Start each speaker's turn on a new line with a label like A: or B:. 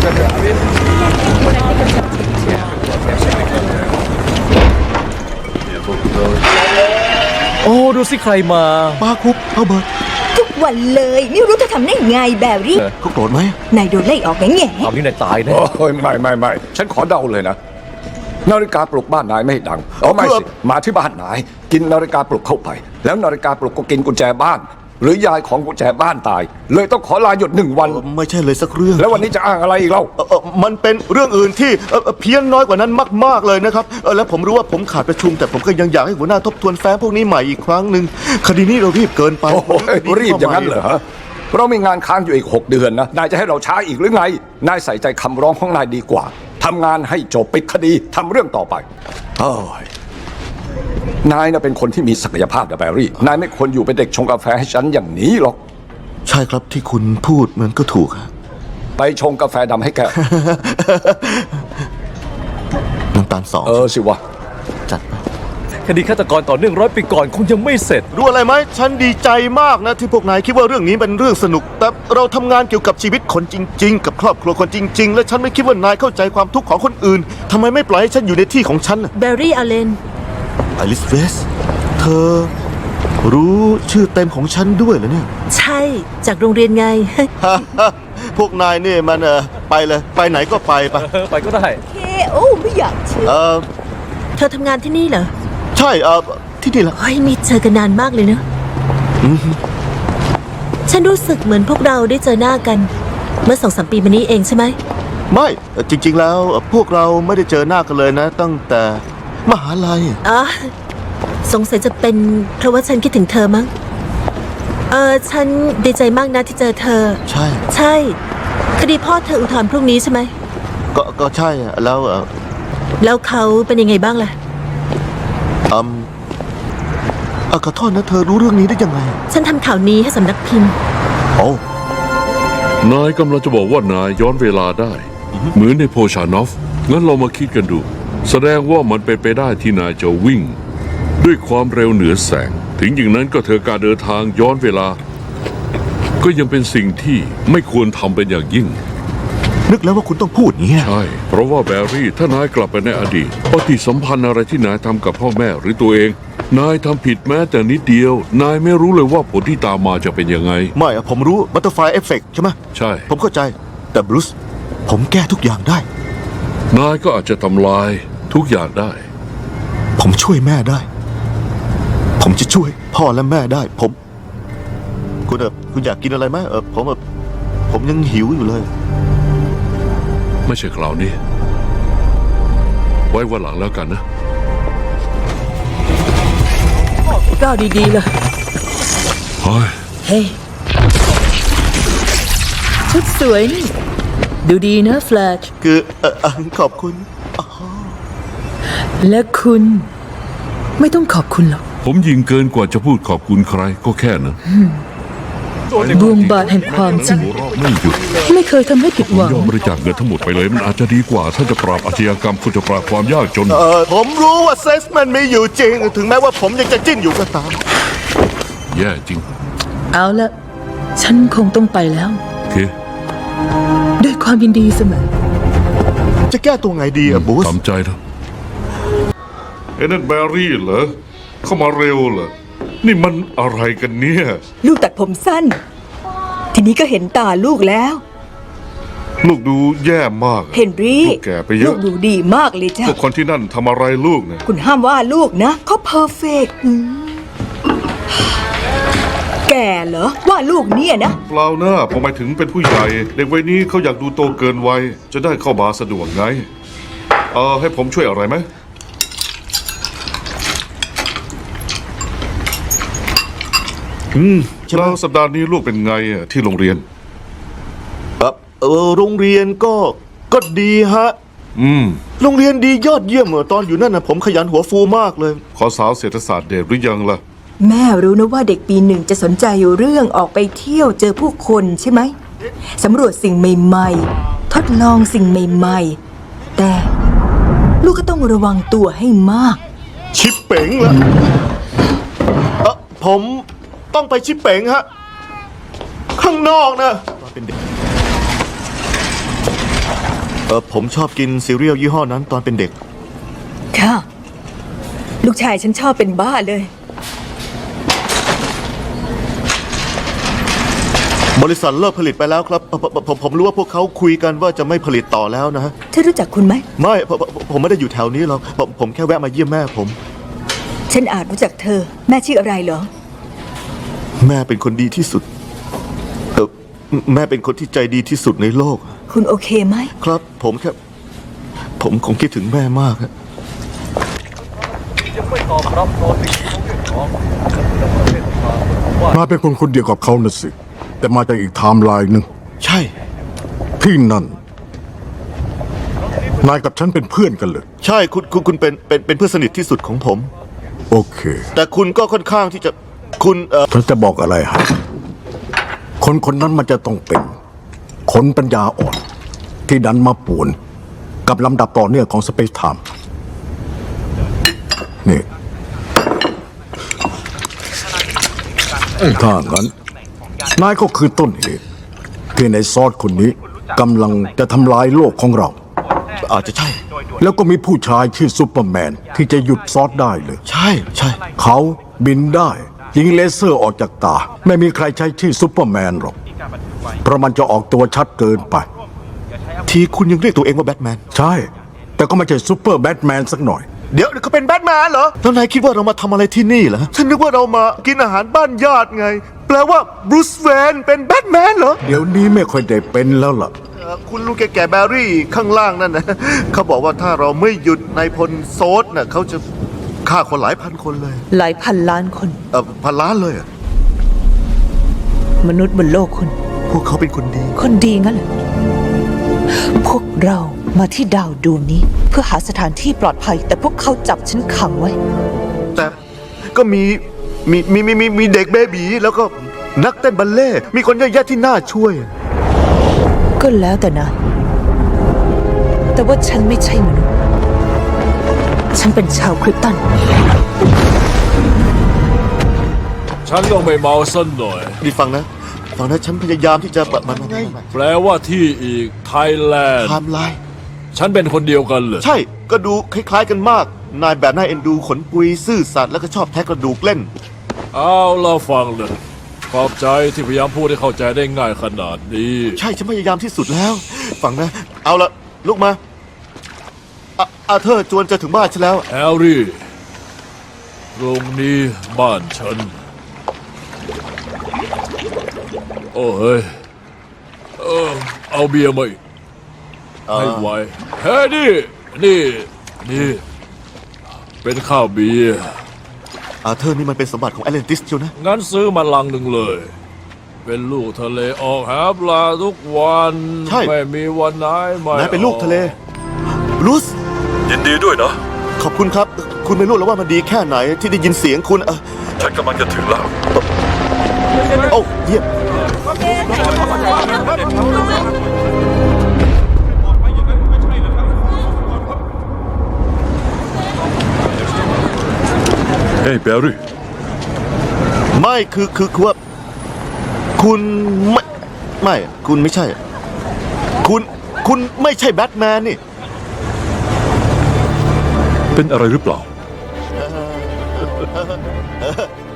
A: โอ้ดูสิใครมา
B: ป้าคุกเอาเบิร์ต
C: ทุกวันเลยไม่รู้จะทำได้ไงแบรี่
B: เขาโกรธไหม
C: นายโดนไล่ออกไงไง
A: เอานี่นายตายแน่
D: ไม่ฉันขอเดาเลยนะนาฬิกาปลุกบ้านนายไม่ดังไม่สิมาที่บ้านนายกินนาฬิกาปลุกเข้าไปแล้วนาฬิกาปลุกก็กินกุญแจบ้านหรือยายของกุญแจบ้านตายเลยต้องขอลาหยุด1 วัน
B: ไม่ใช่เลยสักเรื่อง
D: แล้ววันนี้จะอ้างอะไรอีกเล่า
B: มันเป็นเรื่องอื่นที่เพี้ยนน้อยกว่านั้นมากๆเลยนะครับแล้วผมรู้ว่าผมขาดประชุมแต่ผมก็ยังอยากให้หัวหน้าทบทวนแฟ้มพวกนี้ใหม่อีกครั้งหนึ่งคดีนี้เรารีบเกินไป
D: รีบอย่างนั้นเหรอเรามีงานค้างอยู่อีก6 เดือนนะนายจะให้เราช้าอีกหรือไงนายใส่ใจคำร้องของนายดีกว่าทำงานให้จบปิดคดีทำเรื่องต่อไปนายน่ะเป็นคนที่มีศักยภาพนะแบรี่นายไม่ควรอยู่เป็นเด็กชงกาแฟให้ฉันอย่างนี้หรอก
B: ใช่ครับที่คุณพูดมันก็ถูก
D: ไปชงกาแฟดำให้แก
B: น้ำตาล2
D: สิวะ
B: จัดไป
A: คดีฆาตกรต่อเนื่อง100 ปีก่อนคงยังไม่เสร็จ
B: รู้อะไรไหมฉันดีใจมากนะที่พวกนายคิดว่าเรื่องนี้เป็นเรื่องสนุกแต่เราทำงานเกี่ยวกับชีวิตคนจริงๆกับครอบครัวคนจริงๆและฉันไม่คิดว่านายเข้าใจความทุกข์ของคนอื่นทำไมไม่ปล่อยให้ฉันอยู่ในที่ของฉัน
C: แบรี่อาเลน
B: อลิสเวสเธอรู้ชื่อเต็มของฉันด้วยเหรอเนี่ย
C: ใช่จากโรงเรียนไง
B: พวกนายเนี่ยมันไปเลยไปไหนก็ไป
A: ไปก็ได้
C: เคโอ้ไม่อยากเชื่อเธอทำงานที่นี่เหรอ
B: ใช่ที่นี่แหละ
C: เฮ้ยมีเจอกันนานมากเลยเนอะฉันรู้สึกเหมือนพวกเราได้เจอหน้ากันเมื่อ2-3 ปีมานี้เองใช่ไหม
B: ไม่จริงๆแล้วพวกเราไม่ได้เจอหน้ากันเลยนะตั้งแต่มหาลัย
C: สงสัยจะเป็นเพราะว่าฉันคิดถึงเธอมั้งฉันดีใจมากนะที่เจอเธอใช่คดีพ่อเธออุทธรณ์พรุ่งนี้ใช่ไหม
B: ก็ใช่
C: แล้วเขาเป็นยังไงบ้างล่ะ
B: ขอโทษนะเธอรู้เรื่องนี้ได้ยังไง
C: ฉันทำข่าวนี้ให้สำนักพิมพ์
E: นายกำลังจะบอกว่านายย้อนเวลาได้เหมือนในโพชานอฟงั้นเรามาคิดกันดูแสดงว่ามันเป็นไปได้ที่นายจะวิ่งด้วยความเร็วเหนือแสงถึงอย่างนั้นก็เธอการเดินทางย้อนเวลาก็ยังเป็นสิ่งที่ไม่ควรทำเป็นอย่างยิ่ง
B: นึกแล้วว่าคุณต้องพูดอย่างนี้
E: ใช่เพราะว่าแบรี่ถ้านายกลับไปในอดีตปฏิสัมพันธ์อะไรที่นายทำกับพ่อแม่หรือตัวเองนายทำผิดแม้แต่นิดเดียวนายไม่รู้เลยว่าผลที่ตามมาจะเป็นยังไง
B: ไม่ผมรู้บัตเตอร์ไฟเอฟเฟกต์ใช่ไหม
E: ใช่
B: ผมเข้าใจแต่บรูซผมแก้ทุกอย่างได้
E: นายก็อาจจะทำลายทุกอย่างได้
B: ผมช่วยแม่ได้ผมจะช่วยพ่อและแม่ได้คุณอยากกินอะไรไหมผมยังหิวอยู่เลย
E: ไม่ใช่คราวนี้ไว้วันหลังแล้วกันนะ
C: ก้าวดีๆเลย
E: เฮ้ย
C: ชุดสวยนี่ดูดีนะแฟลช
B: คือขอบคุณ
C: และคุณไม่ต้องขอบคุณหรอก
E: ผมยิงเกินกว่าจะพูดขอบคุณใครก็แค่นั้น
C: ดวงบาทแห่งความจริง
E: ไม่หยุด
C: ไม่เคยทำให้ผิดหวัง
E: ยอมบริจาคเงินทั้งหมดไปเลยมันอาจจะดีกว่าถ้าจะปราบอาชญากรรมคุณจะปราบความยากจน
B: ผมรู้ว่าเซ็กส์มันมีอยู่จริงถึงแม้ว่าผมยังจะจิ้นอยู่ก็ตาม
E: แย่จริง
C: เอาละฉันคงต้องไปแล้ว
E: โอเค
C: ด้วยความยินดีเสมอ
B: จะแก้ตัวไงดีบูส
E: ตามใจนะนั่นแบรี่เหรอเข้ามาเร็วเหรอนี่มันอะไรกันเนี่ย
C: ลูกตัดผมสั้นทีนี้ก็เห็นตาลูกแล้ว
E: ลูกดูแย่มาก
C: เฮนรี่
E: ลูกแก่ไปเยอะ
C: ลูกดูดีมากเลยจ้ะ
E: พวกคนที่นั่นทำอะไรลูกเนี่ย
C: คุณห้ามว่าลูกนะเขาเพอร์เฟกต์แก่เหรอว่าลูกเนี่ยนะ
E: เปล่านะผมหมายถึงเป็นผู้ใหญ่เด็กวัยนี้เขาอยากดูโตเกินวัยจะได้เข้ามาสะดวกไงให้ผมช่วยอะไรไหมแล้วสัปดาห์นี้ลูกเป็นไงที่โรงเรียน
B: โรงเรียนก็ดีฮะโรงเรียนดียอดเยี่ยมตอนอยู่นั่นนะผมขยันหัวฟูมากเลย
E: ขอสาวเศรษฐศาสตร์เดทหรือยังล่ะ
C: แม่รู้นะว่าเด็กปี 1จะสนใจอยู่เรื่องออกไปเที่ยวเจอผู้คนใช่ไหมสำรวจสิ่งใหม่ๆทดลองสิ่งใหม่ๆแต่ลูกก็ต้องระวังตัวให้มาก
B: ชิปเป๋งละผมต้องไปชิปเป๋งฮะข้างนอกนะผมชอบกินซีเรียลยี่ห้อนั้นตอนเป็นเด็ก
C: ค่ะ ลูกชายฉันชอบเป็นบ้าเลย
B: บริษัทเลิกผลิตไปแล้วครับผมรู้ว่าพวกเขาคุยกันว่าจะไม่ผลิตต่อแล้วนะฮะ
C: เธอรู้จักคุณไหม
B: ไม่ผมไม่ได้อยู่แถวนี้หรอกผมแค่แวะมาเยี่ยมแม่ผม
C: ฉันอาจรู้จักเธอ แม่ชื่ออะไรเหรอ
B: แม่เป็นคนดีที่สุดแม่เป็นคนที่ใจดีที่สุดในโลก
C: คุณโอเคไหม
B: ครับ ผมคงคิดถึงแม่มากฮะ
A: ยังไม่ตอบรับตอนที่เขาเรียกร้องว่า
F: นายเป็นคนเดียวกับเขานะสิ แต่มาจากอีกไทม์ไลน์หนึ่ง
B: ใช่
F: ที่นั่น นายกับฉันเป็นเพื่อนกันเลย
B: ใช่คุณเป็นเพื่อนสนิทที่สุดของผม
F: โอเค
B: แต่คุณก็ค่อนข้างที่จะคุณ
F: ฉันจะบอกอะไรให้คนนั้นมันจะต้องเป็นคนปัญญาอ่อน ที่ดันมาป่วน กับลำดับต่อเนื่องของสเปซไทม์นี่ถ้างั้น นายก็คือต้นเหตุ ที่ในซอสคนนี้กำลังจะทำลายโลกของเรา
B: อาจจะใช่
F: แล้วก็มีผู้ชายชื่อซูเปอร์แมนที่จะหยุดซอสได้เลย
B: ใช่ใช่
F: เขาบินได้ ยิงเลเซอร์ออกจากตา ไม่มีใครใช้ชื่อซูเปอร์แมนหรอก เพราะมันจะออกตัวชัดเกินไป
B: ทีคุณยังเรียกตัวเองว่าแบทแมน
F: ใช่ แต่ก็ไม่ใช่ซูเปอร์แบทแมนสักหน่อย
B: เดี๋ยวเขาเป็นแบทแมนเหรอแล้วนายคิดว่าเรามาทำอะไรที่นี่เหรอฉันนึกว่าเรามากินอาหารบ้านญาติไง แปลว่าบรูซเวนเป็นแบทแมนเหรอ
F: เดี๋ยวนี้ไม่ค่อยได้เป็นแล้วล่ะ
B: คุณลุงแก่ๆแบรี่ข้างล่างนั่นนะเขาบอกว่าถ้าเราไม่หยุดนายพลโซดน่ะเขาจะฆ่าคนหลายพันคนเลย
G: หลายพันล้านคน
B: พันล้านเลยอะ
G: มนุษย์บนโลกคุณ
B: พวกเขาเป็นคนดี
G: คนดีงั้นเหรอพวกเรามาที่ดาวดวงนี้ เพื่อหาสถานที่ปลอดภัย แต่พวกเขาจับฉันขังไว้
B: แต่ก็มีเด็กเบบีแล้วก็นักเต้นบัลเล่ต์มีคนเยอะแยะที่น่าช่วย
G: ก็แล้วแต่นายแต่ว่าฉันไม่ใช่มนุษย์ ฉันเป็นชาวคริปตัน
H: ฉันก็ไม่เมาสักหน่อย
B: นี่ฟังนะฉันพยายามที่จะมันไง
H: แปลว่าที่อีกไทยแลนด์
B: ไทม์ไลน์
H: ฉันเป็นคนเดียวกันเลย
B: ใช่ก็ดูคล้ายๆกันมาก นายแบบน่าเอ็นดูขนปุยซื่อสัตย์แล้วก็ชอบแท็กกระดูกเล่น
H: เอาเราฟังเลย ขอบใจที่พยายามพูดให้เข้าใจได้ง่ายขนาดนี้
B: ใช่ฉันพยายามที่สุดแล้ว ฟังนะ เอาละลุกมาอาเธอร์จวนจะถึงบ้านฉันแล้ว
H: แฮร์รี่ตรงนี้บ้านฉัน โอ้เฮ้ยเอาเบียร์มาอีกให้ไวเฮ้ยนี่ เป็นข้าวเบียร์
B: อาเธอร์นี่มันเป็นสมบัติของแอตแลนติสเชียวนะ
H: งั้นซื้อมาลังหนึ่งเลย เป็นลูกทะเลออกหาปลาทุกวัน
B: ใช่
H: ไม่มีวันไหนไม่
B: นายเป็นลูกทะเลบรูซ
I: ยินดีด้วยนะ
B: ขอบคุณครับ คุณไม่รู้แล้วว่ามันดีแค่ไหนที่ได้ยินเสียงคุณ
I: ฉันกำลังจะถึงแล้ว
B: โอ้เยี่ยม
I: เฮ้ยแบร์รี่
B: ไม่คือว่าคุณไม่คุณไม่ใช่ คุณไม่ใช่แบทแมนนี่
I: เป็นอะไรหรือเปล่า